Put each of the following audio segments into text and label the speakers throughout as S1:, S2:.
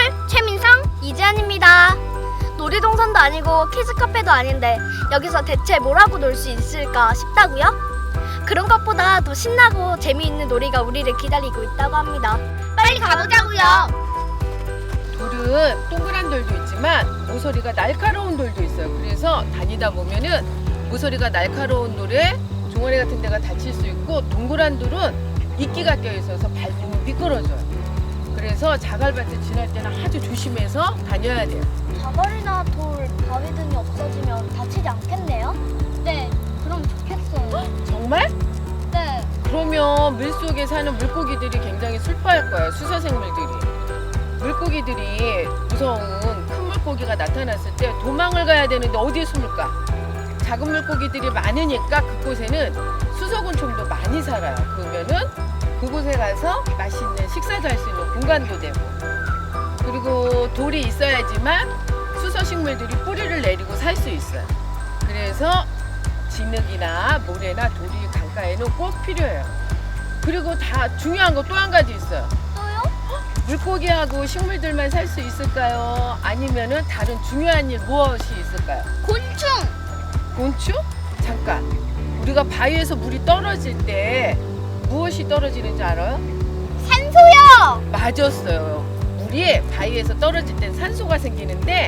S1: 최민성, 이지안입니다. 놀이동산도 아니고 키즈카페도 아닌데 여기서 대체 뭘 하고 놀 수 있을까 싶다고요? 그런 것보다 더 신나고 재미있는 놀이가 우리를 기다리고 있다고 합니다. 빨리 가보자고요.
S2: 돌은 동그란 돌도 있지만 모서리가 날카로운 돌도 있어요. 그래서 다니다 보면은 모서리가 날카로운 돌에 종아리 같은 데가 다칠 수 있고, 동그란 돌은 이끼가 껴 있어서 밟으면 미끄러져요. 그래서 자갈밭을 지날 때는 아주 조심해서 다녀야 돼요.
S1: 자갈이나 돌, 바위 등이 없어지면 다치지 않겠네요? 네, 그럼 좋겠어요.
S2: 정말?
S1: 네.
S2: 그러면 물속에 사는 물고기들이 굉장히 슬퍼할 거예요. 수서생물들이. 물고기들이 무서운 큰 물고기가 나타났을 때 도망을 가야 되는데 어디에 숨을까? 작은 물고기들이 많으니까 그곳에는 수소곤충도 많이 살아요. 그러면은 그곳에 가서 맛있는 식사도 할 수 있는 공간도 되고, 그리고 돌이 있어야지만 수서식물들이 뿌리를 내리고 살 수 있어요. 그래서 진흙이나 모래나 돌이 강가에는 꼭 필요해요. 그리고 다 중요한 거 또 한 가지 있어요.
S1: 또요?
S2: 물고기하고 식물들만 살 수 있을까요? 아니면은 다른 중요한 일 무엇이 있을까요?
S1: 곤충!
S2: 곤충? 잠깐. 우리가 바위에서 물이 떨어질 때 무엇이 떨어지는지 알아요?
S1: 산소요!
S2: 맞았어요. 물이 바위에서 떨어질 땐 산소가 생기는데,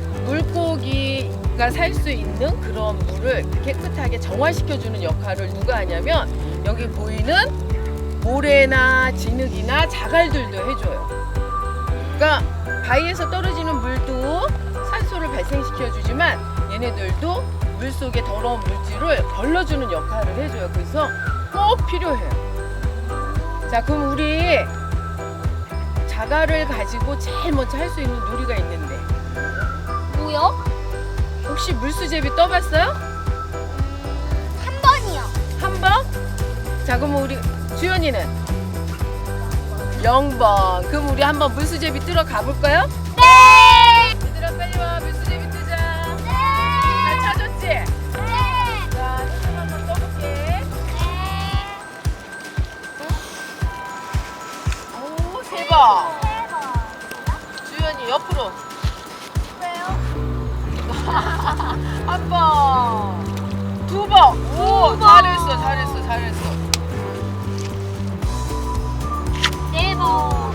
S2: 물고기가 살 수 있는 그런 물을 깨끗하게 정화시켜주는 역할을 누가 하냐면 여기 보이는 모래나 진흙이나 자갈들도 해줘요. 그러니까 바위에서 떨어지는 물도 산소를 발생시켜주지만 얘네들도 물속의 더러운 물질을 걸러주는 역할을 해줘요. 그래서 꼭 필요해요. 자, 그럼 우리 자갈을 가지고 제일 먼저 할 수 있는 놀이가 있는데,
S1: 뭐요?
S2: 혹시 물수제비 떠봤어요?
S1: 한 번이요.
S2: 한 번? 자, 그럼 우리 주연이는 0번. 그럼 우리 한번 물수제비 뜨러 가볼까요?
S1: 네!
S2: 얘들아 빨리 와, 물수제비 뜨자.
S1: 네!
S2: 잘 찾았지?
S1: 네!
S2: 자, 손 한번 떠볼게. 오, 3번. 주연이 옆으로. 한 번, 2번. 오, 잘했어.
S1: 네 번.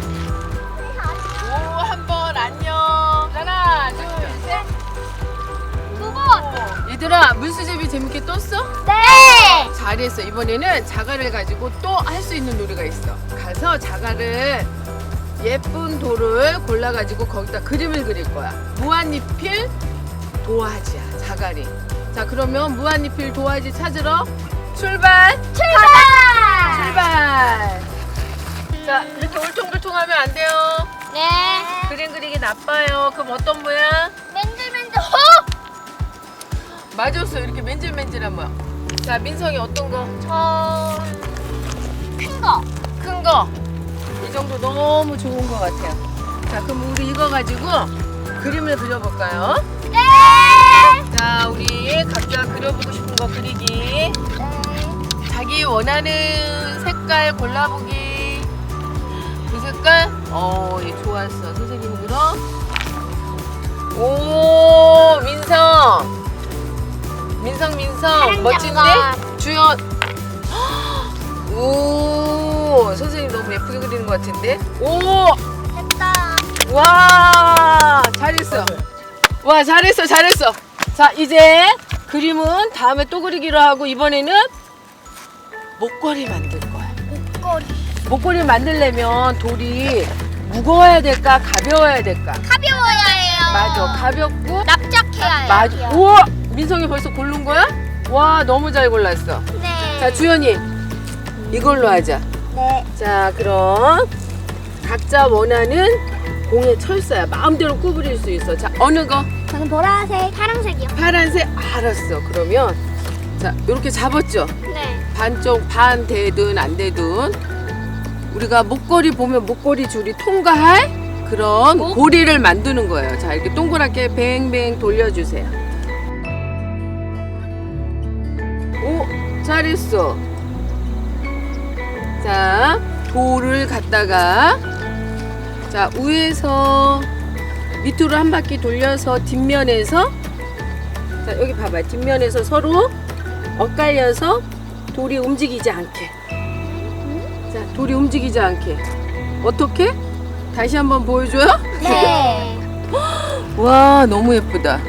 S2: 오, 한 번 안녕. 하나, 둘, 셋.
S1: 두 번.
S2: 얘들아, 물수제비 재밌게 떴어?
S1: 네!
S2: 잘했어. 이번에는 자갈을 가지고 또 할 수 있는 놀이가 있어. 가서 자갈을 예쁜 돌을 골라가지고 거기다 그림을 그릴 거야. 무한리필 도화지야, 자갈이. 자, 그러면 무한리필 도화지 찾으러 출발! 출발! 자, 이렇게 울퉁불퉁하면 안 돼요.
S1: 네.
S2: 그림 그리기 나빠요. 그럼 어떤 모양?
S1: 맨들맨들.
S2: 맞았어. 이렇게 맨질맨질한 모양. 자, 민성이 어떤 거?
S1: 큰 거.
S2: 큰 거. 이 정도 너무 좋은 것 같아요. 자, 그럼 우리 이거 가지고 그림을 그려볼까요?
S1: 네.
S2: 자, 우리 각자 그려보고 싶은 거 그리기. 자기 원하는 색깔 골라보기. 그 색깔? 얘 좋았어. 선생님이 그럼. 오, 민성. 민성. 멋진데? 주연. 오, 선생님 너무 예쁘게 그리는 것 같은데? 오!
S1: 됐다.
S2: 와, 잘했어. 와, 잘했어. 자, 이제 그림은 다음에 또 그리기로 하고, 이번에는 목걸이 만들 거야. 목걸이 만들려면 돌이 무거워야 될까, 가벼워야 될까?
S1: 가벼워야 해요.
S2: 맞아, 가볍고.
S1: 납작해야 해요.
S2: 맞아. 우와, 민성이 벌써 고른 거야? 와, 너무 잘 골랐어.
S1: 네.
S2: 자, 주연이 이걸로 하자.
S1: 네.
S2: 자, 그럼 각자 원하는 공의 철사야. 마음대로 구부릴 수 있어. 자, 어느 거?
S1: 저는 보라색, 파란색이요.
S2: 파란색. 알았어. 그러면 자, 이렇게 잡았죠?
S1: 네.
S2: 반쪽 반 되든 안 되든 우리가 목걸이 보면 목걸이 줄이 통과할 그런 고리를 만드는 거예요. 자, 이렇게 동그랗게 뱅뱅 돌려주세요. 오, 잘했어. 자, 돌을 갖다가 자, 위에서 밑으로 한 바퀴 돌려서 뒷면에서, 자, 여기 봐봐요. 뒷면에서 서로 엇갈려서 돌이 움직이지 않게. 자, 돌이 움직이지 않게. 어떻게? 다시 한번 보여줘요?
S1: 네.
S2: 와, 너무 예쁘다.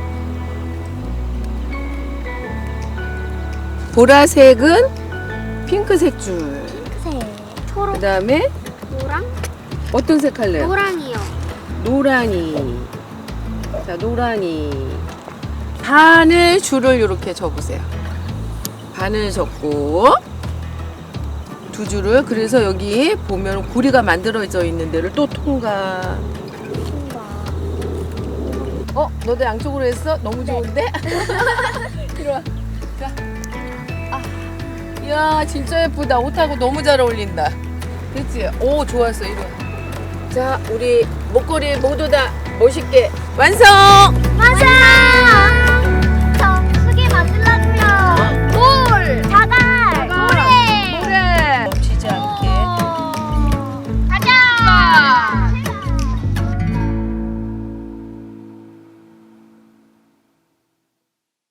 S2: 보라색은 핑크색 줄.
S1: 네. 초록,
S2: 그 다음에
S1: 노랑,
S2: 어떤 색 할래요?
S1: 노랑이요.
S2: 노랑이. 자, 노랑이. 반을 줄을 이렇게 접으세요. 반을 접고 두 줄을, 그래서 여기 보면 구리가 만들어져 있는 데를 또 통과. 너도 양쪽으로 했어? 너무 좋은데? 이리 와. 자. 아. 이야, 진짜 예쁘다. 옷하고 너무 잘 어울린다. 그치? 오, 좋았어. 이리 와. 자, 우리 목걸이 모두 다 멋있게 완성!
S1: 맞아!